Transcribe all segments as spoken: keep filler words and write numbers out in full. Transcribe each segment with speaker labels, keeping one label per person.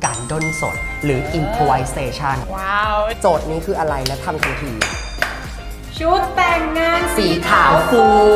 Speaker 1: การด้นสดหรือ improvisation
Speaker 2: ว้าว
Speaker 1: โจทย์นี้คืออะไรและทำทันที
Speaker 2: ชุดแต่งงาน
Speaker 1: สีขาวฟู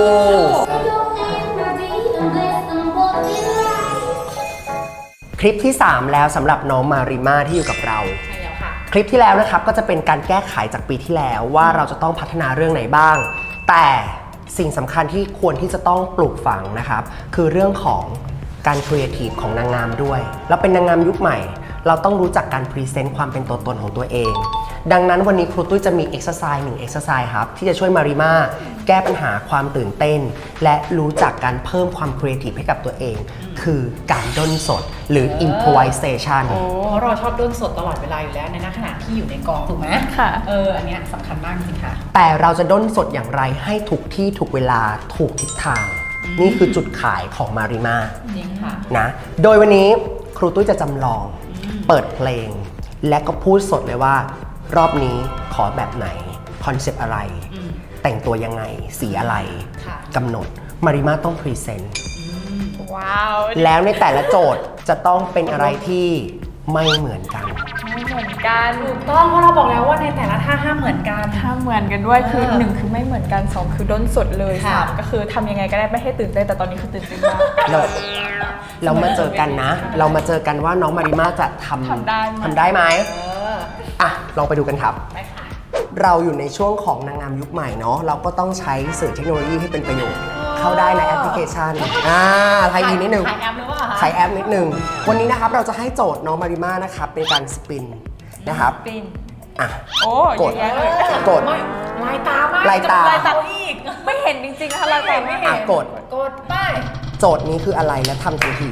Speaker 1: คลิปที่ สาม แล้วสำหรับน้องมาริมาที่อยู่กับเรา
Speaker 2: ใช่แล้วค่ะ
Speaker 1: คลิปที่แล้วนะครับก็จะเป็นการแก้ไขจากปีที่แล้วว่าเราจะต้องพัฒนาเรื่องไหนบ้าง แต่สิ่งสำคัญที่ควรที่จะต้องปลูกฝังนะครับคือเรื่องของการครีเอทีฟของนางงามด้วยเราเป็นนางงามยุคใหม่เราต้องรู้จักการพรีเซนต์ความเป็นตัวตนของตัวเอง ดังนั้นวันนี้ครูตุ้ยจะมีเอ็กซ์ไซส์หนึ่งเอ็กซ์ไซส์ครับที่จะช่วยมาริมาแก้ปัญหาความตื่นเต้นและรู้จักการเพิ่มความครีเอทีฟให้กับตัวเองคือการด้นสดหรือ improvisation
Speaker 2: โอ้เราชอบด้นสดตลอดเวลาอยู่แล้วในขณะที่อยู่ในกองถูกไหม
Speaker 3: ค่ะ
Speaker 2: เอออันเนี้ยสำคัญมากจริงๆค่ะ
Speaker 1: แต่เราจะด้นสดอย่างไรให้ถูกที่ถูกเวลาถูกทิศทาง นี่คือจุดขายของมาริมา
Speaker 2: จริงค่ะ
Speaker 1: นะโดยวันนี้ครูตุ้ยจะจำลองเปิดเพลง และก็พูดสดเลยว่ารอบนี้ขอแบบไหนคอนเซปต์อะไร
Speaker 2: อืม
Speaker 1: แต่งตัวยังไงสีอะไร
Speaker 2: ค่ะ
Speaker 1: กำหนดมาริมาต้องพรีเซนต์
Speaker 3: ว้าว
Speaker 1: แล้วในแต่ละโจทย์จะต้องเป็นอะไรที่ไม่เหมือนกัน
Speaker 3: ไม่เหมือนกัน
Speaker 2: ถูกต้องเพราะเราบอกแล้วว่าในแต่ละท่าห้ามเหมือนกัน
Speaker 3: ถ้าเหมือนกันด้วยคือ
Speaker 2: เออ
Speaker 3: หนึ่งคือไม่เหมือนกันสองคือด้นสดเลย
Speaker 2: ค่ะ
Speaker 3: สามก็คือทำยังไงก็ได้ไม่ให้ตื่นเต้นแต่ตอนนี้คือตื่นเต้นมาก
Speaker 1: เราเรามาเจอกันนะ เรามาเจอกันว่าน้องมาริมาจะทำ
Speaker 3: ทำได้ไหม
Speaker 1: ทำได้ไหม
Speaker 2: เออ
Speaker 1: อ่ะลองไปดูกันครับ
Speaker 2: ไปค่ะ
Speaker 1: เราอยู่ในช่วงของนางงามยุคใหม่เนาะเราก็ต้องใช้สื่อเทคโนโลยีให้เป็นประโยชน์ เข้าได้ในแอปพลิเคชันอ่าไทยอินนิดนึง
Speaker 2: ขายแอปหรือเปล่าคะ
Speaker 1: ใช้แอปนิดนึง วันนี้นะครับเราจะให้โจทย์น้องมาริมานะครับเป็นการสปินนะครับ
Speaker 3: ปิน
Speaker 1: อ่ะ
Speaker 3: โอ้
Speaker 1: ก
Speaker 3: เย
Speaker 1: ด
Speaker 3: อะแยะเลย
Speaker 1: กด
Speaker 2: ไม่ลายตามาก
Speaker 1: ลายตา
Speaker 2: จะลายตาอีก
Speaker 3: ไม่เห็นจริงๆนะคะเราแต่ไม่เห็
Speaker 1: อ่ะ
Speaker 3: น
Speaker 1: กด
Speaker 2: กดไป
Speaker 1: โจทย์นี้คืออะไรและทำทันที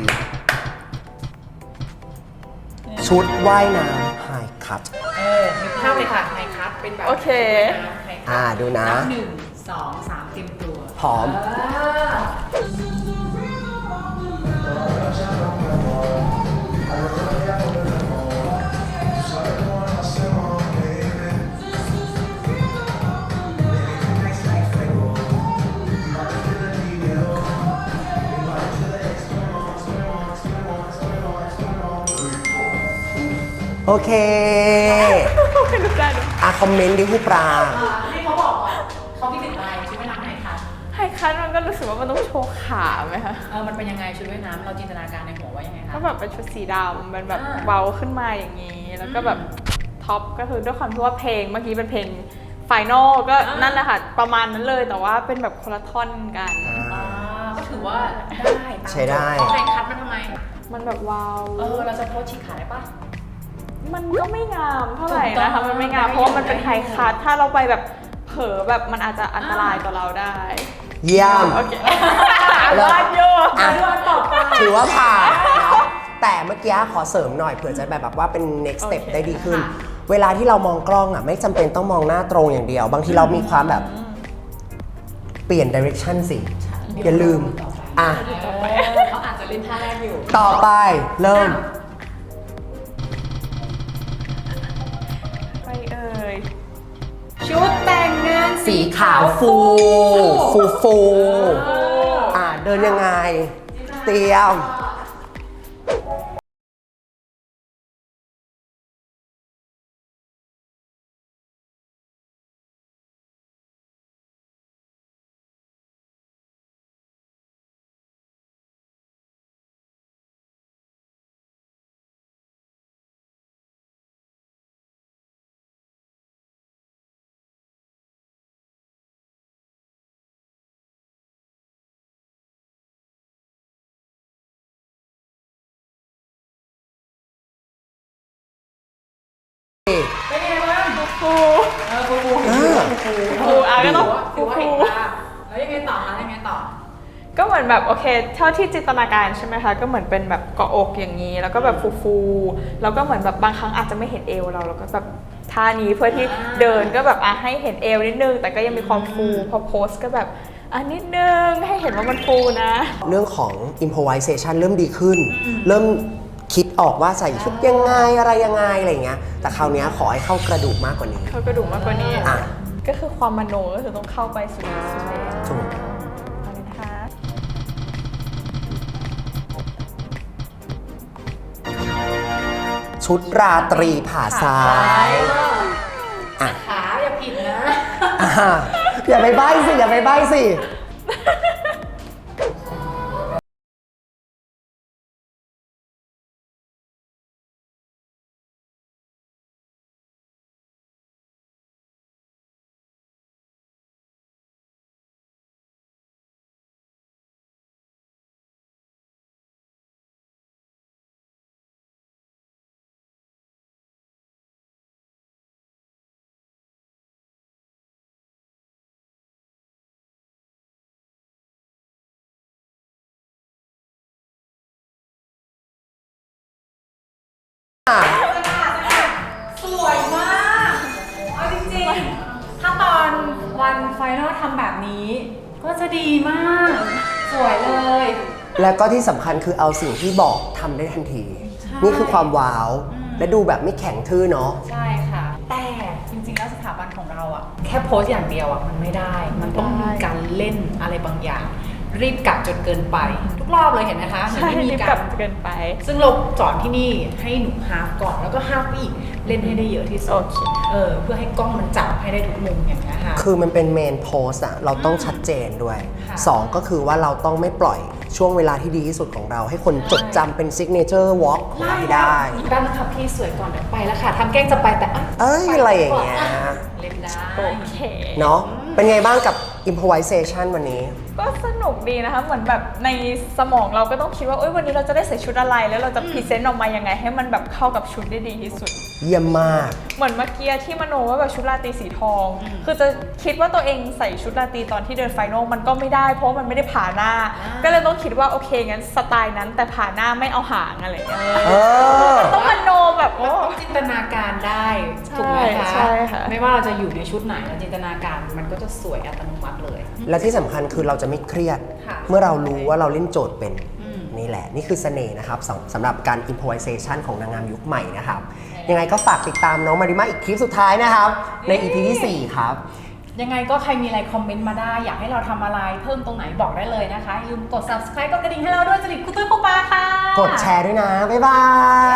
Speaker 1: ชุดว่ายน้ำไฮคัท
Speaker 2: เออนึกภาพเลยค่ะไฮคัทเป็นแบบ
Speaker 3: โอเค
Speaker 2: ไฮคัท
Speaker 1: อ่าดูนะ
Speaker 2: นับหนึ่งสองสามเตรียมตัว
Speaker 1: พร้อม โอเค
Speaker 3: ไม่รู้ได้หรอ
Speaker 1: อ่ะคอมเมนต์ดิผู้ปราง
Speaker 2: ให้เขาบอกว่าเขาคิดถึงอะไรชุดว่ายน้ำไฮคัท
Speaker 3: ไฮคัทมันก็รู้สึกว่ามันต้องโชว์ขาไหมคะ
Speaker 2: เออมันเป็นยังไงชุดว่ายน้ำเราจินตนาการในหัวว่ายังไงคะ
Speaker 3: ก็แบบเป็นชุดสีดำมันแบบ
Speaker 2: อ่า
Speaker 3: เบาขึ้นมาอย่างนี้ แล้วก็แบบท็อปก็คือด้วยความที่ว่าเพลงเมื่อกี้เป็นเพลงไฟนอลก็นั่นแหละค่ะประมาณนั้นเลยแต่ว่าเป็นแบบคนละท่อนกัน
Speaker 2: อ่าก็ถือว่าได้ตาม
Speaker 1: ใช้ได้
Speaker 2: ไฮคัทมันทำไม
Speaker 3: มันแบบว้าว
Speaker 2: เออเราจะโพสต์ฉีกขาได้ปะ
Speaker 3: มันก็ไม่งามเท่าไหร่
Speaker 2: ถูกต้
Speaker 3: นะคะ
Speaker 2: อง
Speaker 3: มันไม่งาม
Speaker 2: ได้
Speaker 3: เพราะว่ามันเป็น
Speaker 2: ได้
Speaker 3: ไฮคัทถ้าเราไปแบบเผลอแบบมันอาจจะอันตรายต่อเราได้
Speaker 1: เยี่ยม
Speaker 3: โอเค
Speaker 1: เลิศ
Speaker 3: รอดโย
Speaker 1: อ่ะ
Speaker 2: เรื่องต่อไป
Speaker 1: ถือว่าผ่านเนาะแต่เมื่อกี้ขอเสริมหน่อยเผื่อจะแบบว่าเป็น next step
Speaker 3: โอเค
Speaker 1: ได้ดีขึ้น
Speaker 2: ค่ะ
Speaker 1: เวลาที่เรามองกล้องอ่ะไม่จำเป็นต้องมองหน้าตรงอย่างเดียว บางทีเรามีความแบบเปลี่ยน direction สิ อย่าลืม อ่ะ
Speaker 2: เออเขาอาจจะเล่นท่าแรกอยู่
Speaker 1: ต่อไปเริ่ม
Speaker 3: ไปเอ่ย
Speaker 2: ชุดแต่งงาน
Speaker 1: สีขาวฟู ฟูฟูอ่ะเดินยังไง เตรียม
Speaker 2: เป็นยังไงบ้าง
Speaker 3: ฟู
Speaker 2: เออฟูฟู
Speaker 1: อ่า
Speaker 3: ฟูอ่ะก็ต้อง
Speaker 2: ถื
Speaker 3: ฟู
Speaker 2: อว่า
Speaker 3: ฟู
Speaker 2: เห็นภาพแล้วยังไงต่อคะยังไงต่อ
Speaker 3: ก็เหมือนแบบโอเคเท่าที่จินตนาการใช่ไหมคะก็เหมือนเป็นแบบเกาะอกอย่างนี้ แล้วก็แบบฟูๆแล้วก็เหมือนแบบบางครั้งอาจจะไม่เห็นเอวเราแล้วก็แบบท่านี้เพื่อที่เดินก็แบบอ่ะให้เห็นเอวนิดนึงแต่ก็ยังมีความฟูพอโพสก็แบบอ่ะนิดนึงให้เห็นว่ามันฟูนะ
Speaker 1: เรื่องของ improvisation เริ่มดีขึ้น เริ่มคิดออกว่าใส่ชุดยังไงอะไรยังไงอะไรอย่างเงี้ย แต่คราวเนี้ยขอให้เข้ากระดูกมากกว่านี้
Speaker 3: เข้ากระดูกมากกว่านี้
Speaker 1: อ่ะ
Speaker 3: ก็คือความมโนก็คือต้องเข้าไปสู่สู่ใน
Speaker 1: ถูก
Speaker 3: เอาเลยนะคะ
Speaker 1: ชชุดราตรีผ่าซ้ายอ่ะ
Speaker 2: ขาอย่าผิดนะ
Speaker 1: อ่ะอย่าไปใบ้สิ อย่าไปใบ้สิ
Speaker 2: สวยมากเอาจริงๆ ถ้าตอนวันไฟนอลทำแบบนี้ ก็จะดีมาก สวยเลย
Speaker 1: แล้วก็ที่สำคัญคือเอาสิ่งที่บอกทำได้ทันที นี่คือความว้าว และดูแบบไม่แข็งทื่อเนาะ
Speaker 2: ใช่ค่ะ แต่จริงๆ แล้วสถาบันของเราอะแค่โพสต์อย่างเดียวอะมันไม่ได้ มันต้องมีการเล่นอะไรบางอย่าง รีบกลับจนเกินไป ทุกรอบเลยเห็นไหมคะ
Speaker 3: ใช่
Speaker 2: ไม่มี
Speaker 3: รีบ
Speaker 2: กาก
Speaker 3: ลั
Speaker 2: ร
Speaker 3: บเกินไป
Speaker 2: ซึ่งเราสอนที่นี่ให้หนูฮาฟก่อนแล้วก็ฮาฟอีกเล่นให้ได้เยอะที่สุ
Speaker 3: โอ
Speaker 2: ด
Speaker 3: เค
Speaker 2: เออเพื่อให้กล้องมันจับให้ได้ทุกมุมอย่างนี้ยค่ะ
Speaker 1: คือมันเป็นเมนโพสอะเราต้องชัดเจนด้วย
Speaker 2: ค่ะ
Speaker 1: สองก็คือว่าเราต้องไม่ปล่อยช่วงเวลาที่ดีที่สุดของเรา ให้คนจดจำเป็นซิกเนเจอร์วอล์กของเราให้ได้
Speaker 2: ด้านนะคะพี่สวยก่อนเดี๋ยวไปแล้วค่ะทำแกล้งจะไปแต่ะ
Speaker 1: เอ้ย
Speaker 2: ป
Speaker 1: อะไรอย่างเงี้ย
Speaker 2: เล่นได้
Speaker 3: โอเค
Speaker 1: เนาะเป็นไงบ้างกับ improvisation วันนี้
Speaker 3: ก็สนุกดีนะคะ เหมือนแบบในสมองเราก็ต้องคิดว่าเอ้ยวันนี้เราจะได้ใส่ชุดอะไร แล้วเราจะพรีเซนต์ออกมายังไง ให้มันแบบเข้ากับชุดได้ดีที่สุด
Speaker 1: เยี่ยมมาก
Speaker 3: เหมือนเมื่อกี้ที่มโนว่าแบบชุดราตรีสีทอง คือจะคิดว่าตัวเองใส่ชุดราตรีตอนที่เดินไฟนอลมันก็ไม่ได้ เพราะมันไม่ได้ผ่าหน้า ก็เลยต้องคิดว่าโอเคงั้นสไตล์นั้นแต่ผ่าหน้าไม่เอาหางอะไรอย่างเงี้ย
Speaker 1: เออ
Speaker 3: ต้องมโนแบบ
Speaker 2: เรา
Speaker 3: โอ้
Speaker 2: ต้องจินตนาการได้
Speaker 3: ใช่
Speaker 2: ถูกไหมคะ
Speaker 3: ใช่ค่ะ
Speaker 2: ไม่ว่าเราจะอยู่ในชุดไหนเราจินตนาการมันก็จะสวยอัตโนมัติเลย
Speaker 1: และที่สำคัญคือเราจะไม่เครียด
Speaker 2: ค่ะ
Speaker 1: เมื่อเรารู้ว่าเราเล่นโจทย์เป็น
Speaker 2: อืม
Speaker 1: นี่แหละ นี่คือเสน่ห์นะครับสำสำหรับการ improvisation ของนางงามยุคใหม่นะครับ ยังไงก็ฝากติดตามน้องมาริมาอีกคลิปสุดท้ายนะครับ ใน อี พี ที่ สี่ ครับ
Speaker 2: ยังไงก็ใครมีอะไรคอมเมนต์มาได้ อยากให้เราทำอะไรเพิ่มตรงไหนบอกได้เลยนะคะอย่าลืมกด subscribe กดกระดิ่งให้เราด้วยจริตคุณตุ้ยคุณปาค่ะ
Speaker 1: กดแชร์ด้วยนะ บ๊ายบาย